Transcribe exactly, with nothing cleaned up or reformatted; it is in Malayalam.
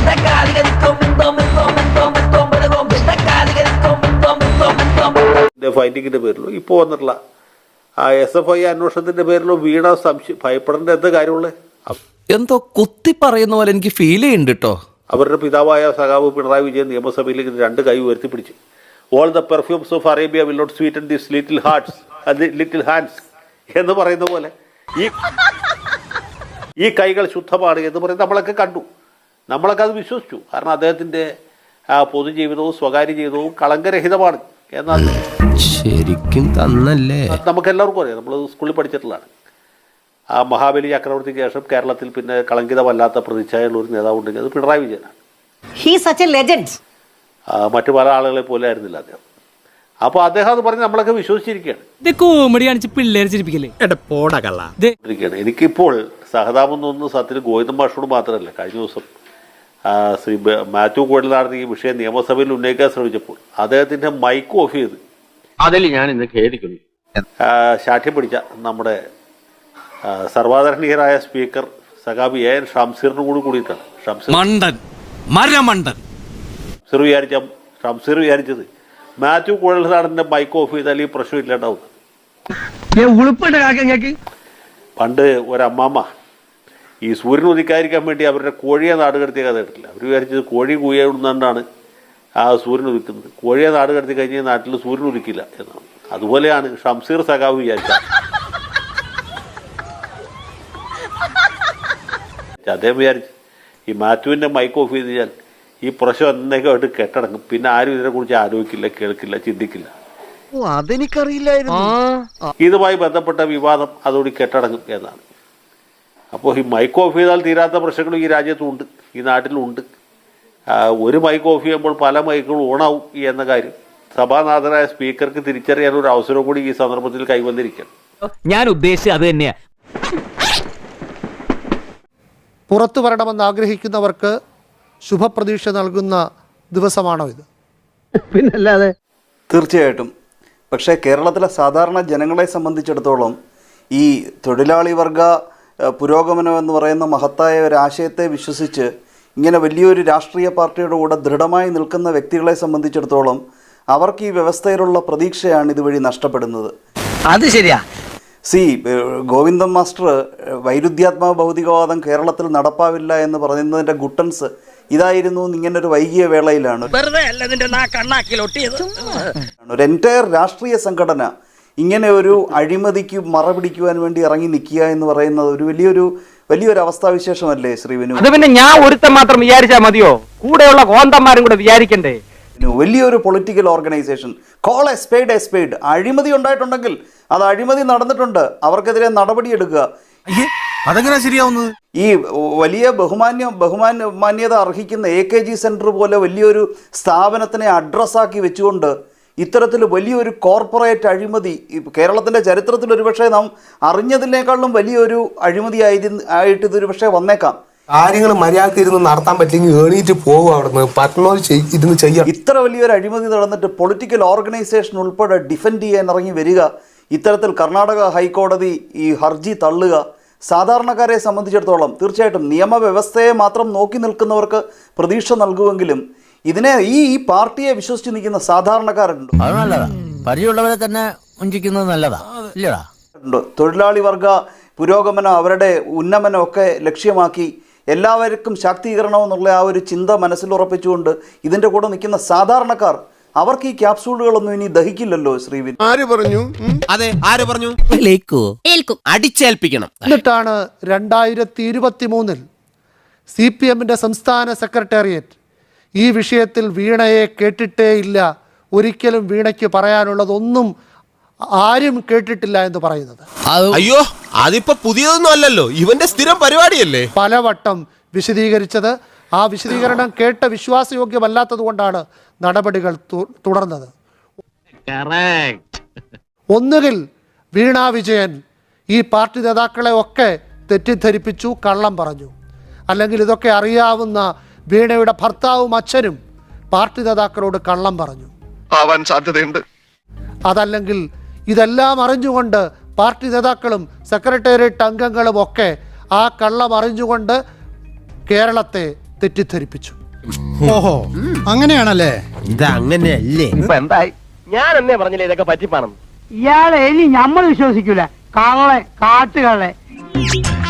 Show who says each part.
Speaker 1: ഫൈറ്റിങ്ങിന്റെ പേരിലോ ഇപ്പോൾ വന്നിട്ടുള്ള ആ എസ് എഫ് ഐ അന്വേഷണത്തിന്റെ പേരിലോ വീണ സംശയം ഭയപ്പെടേണ്ട എന്ത് കാര്യമുള്ളത്?
Speaker 2: എന്തോ കുത്തി പറയുന്ന പോലെ എനിക്ക് ഫീൽ ചെയ്യുന്നുണ്ട് കേട്ടോ.
Speaker 1: അവരുടെ പിതാവായ സഖാവ് പിണറായി വിജയൻ നിയമസഭയിലേക്ക് രണ്ട് കൈ ഉയർത്തിപ്പിടിച്ച് all the perfumes of Arabia will not sweeten this little hearts little hands എന്ന് പറയുന്ന പോലെ ഈ ഈ കൈകൾ ശുദ്ധമാണ് എന്ന് പറയുന്നത് നമ്മളൊക്കെ കണ്ടു, നമ്മളൊക്കെ അത് വിശ്വസിച്ചു. കാരണം അദ്ദേഹത്തിൻ്റെ ആ പൊതുജീവിതവും സ്വകാര്യ ജീവിതവും കളങ്കരഹിതമാണ് എന്നാൽ
Speaker 2: ശരിക്കും തന്നല്ലേ
Speaker 1: നമുക്കെല്ലാവർക്കും അറിയാം. നമ്മൾ സ്കൂളിൽ പഠിച്ചിട്ടുള്ളതാണ്. ആ മഹാബലി ചക്രവർത്തിക്ക് ശേഷം കേരളത്തിൽ പിന്നെ കളങ്കിതമല്ലാത്ത പ്രതിച്ഛായുള്ള ഒരു നേതാവ് ഉണ്ടെങ്കിൽ അത് പിണറായി വിജയനാണ്. മറ്റു പല ആളുകളെ പോലെ ആയിരുന്നില്ല അദ്ദേഹം. അപ്പോൾ അദ്ദേഹം അത് പറഞ്ഞ് നമ്മളൊക്കെ വിശ്വസിച്ചിരിക്കുകയാണ്. എനിക്കിപ്പോൾ സഹതാപം തോന്നുന്നു സത്യത്തിൽ ഗോവിന്ദൻ മാഷോട് മാത്രമല്ല. കഴിഞ്ഞ ദിവസം ശ്രീ മാത്യു കുഴൽനാടൻ ഈ വിഷയം നിയമസഭയിൽ ഉന്നയിക്കാൻ ശ്രമിച്ചപ്പോൾ അദ്ദേഹത്തിന്റെ മൈക്ക് ഓഫ് ചെയ്ത്
Speaker 3: അതിൽ ഞാൻ ഇന്ന് ഖേദിക്കുന്നു.
Speaker 1: ശാഠ്യം പിടിച്ച നമ്മുടെ സർവാദരണീയരായ സ്പീക്കർ സഖാബി എ എൻ ഷംസീറിനും കൂടി കൂടിയിട്ടാണ്. ഷംസീർ വിചാരിച്ച ഷംസീർ വിചാരിച്ചത് മാത്യു കുഴൽനാടന്റെ മൈക്ക് ഓഫ് ചെയ്താൽ ഈ പ്രശ്നം ഇല്ലാണ്ടാവുന്നത്. പണ്ട് ഒരമ്മമ്മ ഈ സൂര്യൻ ഉദിക്കാതിരിക്കാൻ വേണ്ടി അവരുടെ കോഴിയെ നാട് കടത്തിയ കഥ കേട്ടില്ല. അവർ വിചാരിച്ചത് കോഴി കൂയുന്നതുകൊണ്ടാണ് ആ സൂര്യൻ ഉദിക്കുന്നത്. കോഴിയെ നാട് കടത്തി കഴിഞ്ഞാൽ നാട്ടിൽ സൂര്യൻ ഉദിക്കില്ല എന്നാണ്. അതുപോലെയാണ് ഷംസീർ സഖാവ് വിചാരിച്ചത്. അദ്ദേഹം വിചാരിച്ചു ഈ മാത്യുവിൻ്റെ മൈക്ക് ഓഫ് ചെയ്ത് കഴിഞ്ഞാൽ ഈ പ്രശ്നം എന്നേക്കായിട്ട് കെട്ടടങ്ങും, പിന്നെ ആരും ഇതിനെക്കുറിച്ച് ആലോചിക്കില്ല, കേൾക്കില്ല, ചിന്തിക്കില്ല. ഇതുമായി ബന്ധപ്പെട്ട വിവാദം അതോടെ കെട്ടടങ്ങും എന്നാണ്. അപ്പോൾ ഈ മൈക്ക് ഓഫ് ചെയ്താൽ തീരാത്ത പ്രശ്നങ്ങളും ഈ രാജ്യത്തുണ്ട്, ഈ നാട്ടിലുണ്ട്. ഒരു മൈക്ക് ഓഫ് ചെയ്യുമ്പോൾ പല മൈക്കുകളും ഓണാവും എന്ന കാര്യം സഭാനാഥനായ സ്പീക്കർക്ക് തിരിച്ചറിയാൻ ഒരു അവസരം കൂടി ഈ സന്ദർഭത്തിൽ കൈവന്നിരിക്കണം.
Speaker 3: ഞാൻ ഉദ്ദേശിച്ചത് അത് തന്നെയാ.
Speaker 4: പുറത്തു വരണമെന്ന് ആഗ്രഹിക്കുന്നവർക്ക് ശുഭപ്രതീക്ഷ നൽകുന്ന ദിവസമാണോ ഇത്?
Speaker 5: പിന്നല്ലാതെ. തീർച്ചയായിട്ടും. പക്ഷേ കേരളത്തിലെ സാധാരണ ജനങ്ങളെ സംബന്ധിച്ചിടത്തോളം ഈ തൊഴിലാളി വർഗ പുരോഗമനം എന്ന് പറയുന്ന മഹത്തായ ഒരു ആശയത്തെ വിശ്വസിച്ച് ഇങ്ങനെ വലിയൊരു രാഷ്ട്രീയ പാർട്ടിയുടെ കൂടെ ദൃഢമായി നിൽക്കുന്ന വ്യക്തികളെ സംബന്ധിച്ചിടത്തോളം അവർക്ക് ഈ വ്യവസ്ഥയിലുള്ള പ്രതീക്ഷയാണ് ഇതുവഴി നഷ്ടപ്പെടുന്നത്.
Speaker 3: അത് ശരിയാ.
Speaker 5: സി ഗോവിന്ദൻ മാസ്റ്റർ വൈരുദ്ധ്യാത്മക ഭൗതികവാദം കേരളത്തിൽ നടപ്പാവില്ല എന്ന് പറയുന്നതിൻ്റെ ഗുട്ടൻസ് ഇതായിരുന്നു. ഇങ്ങനൊരു വൈകിയ വേളയിലാണ് ഒരു എൻറ്റയർ രാഷ്ട്രീയ സംഘടന ഇങ്ങനെ ഒരു അഴിമതിക്ക് മറപിടിക്കുവാൻ വേണ്ടി ഇറങ്ങി നിൽക്കുക എന്ന് പറയുന്നത് ഒരു വലിയൊരു വലിയൊരു അവസ്ഥാവിശേഷമല്ലേ ശ്രീവിനു?
Speaker 3: അത് പിന്നെ ഞാൻ ഒരുത്തൻ മാത്രം വിചാരിച്ചാൽ മതിയോ? കൂടെയുള്ള കോന്തന്മാരും കൂടെ വിചാരിക്കണ്ടേ?
Speaker 5: വലിയൊരു political organisation call a spade a spade. അഴിമതി ഉണ്ടായിട്ടുണ്ടെങ്കിൽ അത് അഴിമതി നടന്നിട്ടുണ്ട്, അവർക്കെതിരെ നടപടിയെടുക്കുക.
Speaker 2: അതെങ്ങനെ ശരിയാവുന്നത്?
Speaker 5: ഈ വലിയ ബഹുമാന്യ ബഹുമാന്യ മാന്യത അർഹിക്കുന്ന എ കെ ജി സെന്റർ പോലെ വലിയൊരു സ്ഥാപനത്തിനെ അഡ്രസ്സാക്കി വെച്ചുകൊണ്ട് ഇത്തരത്തിൽ വലിയൊരു കോർപ്പറേറ്റ് അഴിമതി കേരളത്തിൻ്റെ ചരിത്രത്തിൽ ഒരുപക്ഷെ നാം അറിഞ്ഞതിനേക്കാളും വലിയൊരു അഴിമതി ആയിരുന്നു ആയിട്ട് ഇതൊരു പക്ഷേ വന്നേക്കാം.
Speaker 6: കാര്യങ്ങൾ മര്യാദ ഇരുന്ന് നടത്താൻ പറ്റില്ലെങ്കിൽ എണീറ്റ് പോകും അവിടുന്ന് പറ്റുന്നത് ഇരുന്ന് ചെയ്യാം.
Speaker 5: ഇത്ര വലിയൊരു അഴിമതി നടന്നിട്ട് പൊളിറ്റിക്കൽ ഓർഗനൈസേഷൻ ഉൾപ്പെടെ ഡിഫെൻഡ് ചെയ്യാൻ ഇറങ്ങി വരിക, ഇത്തരത്തിൽ കർണാടക ഹൈക്കോടതി ഈ ഹർജി തള്ളുക, സാധാരണക്കാരെ സംബന്ധിച്ചിടത്തോളം തീർച്ചയായിട്ടും നിയമവ്യവസ്ഥയെ മാത്രം നോക്കി നിൽക്കുന്നവർക്ക് പ്രതീക്ഷ നൽകുമെങ്കിലും ഇതിനെ ഈ ഈ പാർട്ടിയെ വിശ്വസിച്ച് നിൽക്കുന്ന സാധാരണക്കാരുണ്ട്.
Speaker 7: അത് നല്ലതാ, പരിചയമുള്ളവരെ തന്നെ വഞ്ചിക്കുന്നത് നല്ലതാ ഇല്ലടാ.
Speaker 5: തൊഴിലാളി വർഗ പുരോഗമനം അവരുടെ ഉന്നമനം ഒക്കെ ലക്ഷ്യമാക്കി എല്ലാവർക്കും ശാക്തീകരണം എന്നുള്ള ആ ഒരു ചിന്ത മനസ്സിലുറപ്പിച്ചുകൊണ്ട് ഇതിൻ്റെ കൂടെ നിൽക്കുന്ന സാധാരണക്കാർ അവർക്ക് ഈ ക്യാപ്സൂളുകളൊന്നും ഇനി ദഹിക്കില്ലല്ലോ. ശ്രീവിൻ
Speaker 6: ആര് പറഞ്ഞു?
Speaker 7: അതെ, ആര് പറഞ്ഞു? അടിച്ചേൽപ്പിക്കണം.
Speaker 4: എന്നിട്ടാണ് രണ്ടായിരത്തി ഇരുപത്തി മൂന്നിൽ സി പി എമ്മിൻ്റെ സംസ്ഥാന സെക്രട്ടേറിയറ്റ് ഈ വിഷയത്തിൽ വീണയെ കേട്ടിട്ടേ ഇല്ല, ഒരിക്കലും വീണയ്ക്ക് പറയാനുള്ളതൊന്നും ആരും കേട്ടിട്ടില്ല എന്ന് പറയുന്നത്.
Speaker 6: അയ്യോ, അതിപ്പോ പുതിയതൊന്നും അല്ലല്ലോ, ഇവന്റെ സ്ഥിരം പരിപാടിയല്ലേ.
Speaker 4: പലവട്ടം വിശദീകരിച്ചത്. ആ വിശദീകരണം കേട്ട വിശ്വാസയോഗ്യമല്ലാത്തത് കൊണ്ടാണ് നടപടികൾ തുടർന്നത്. ഒന്നുകിൽ വീണ വിജയൻ ഈ പാർട്ടി നേതാക്കളെ ഒക്കെ തെറ്റിദ്ധരിപ്പിച്ചു, കള്ളം പറഞ്ഞു, അല്ലെങ്കിൽ ഇതൊക്കെ അറിയാവുന്ന വീണയുടെ ഭർത്താവും അച്ഛനും പാർട്ടി നേതാക്കളോട് കള്ളം പറഞ്ഞു.
Speaker 6: ആവാൻ സാധ്യതയുണ്ട്.
Speaker 4: അതല്ലെങ്കിൽ ഇതെല്ലാം അറിഞ്ഞുകൊണ്ട് പാർട്ടി നേതാക്കളും സെക്രട്ടേറിയറ്റ് അംഗങ്ങളും ഒക്കെ ആ കള്ളം അറിഞ്ഞുകൊണ്ട് കേരളത്തെ തെറ്റിദ്ധരിപ്പിച്ചു.
Speaker 8: ഓഹോ അങ്ങനെയാണല്ലേ? ഇത് അങ്ങനെയല്ലേ?
Speaker 3: ഇപ്പൊ എന്തായി? ഞാൻ എന്നേ പറഞ്ഞില്ലേ ഇതൊക്കെ പറ്റിപ്പാണെന്ന്.
Speaker 9: ഇയാളെ ഇനി നമ്മൾ വിശ്വസിക്കൂല. കള്ളെ കാട്ടുകള്ളെ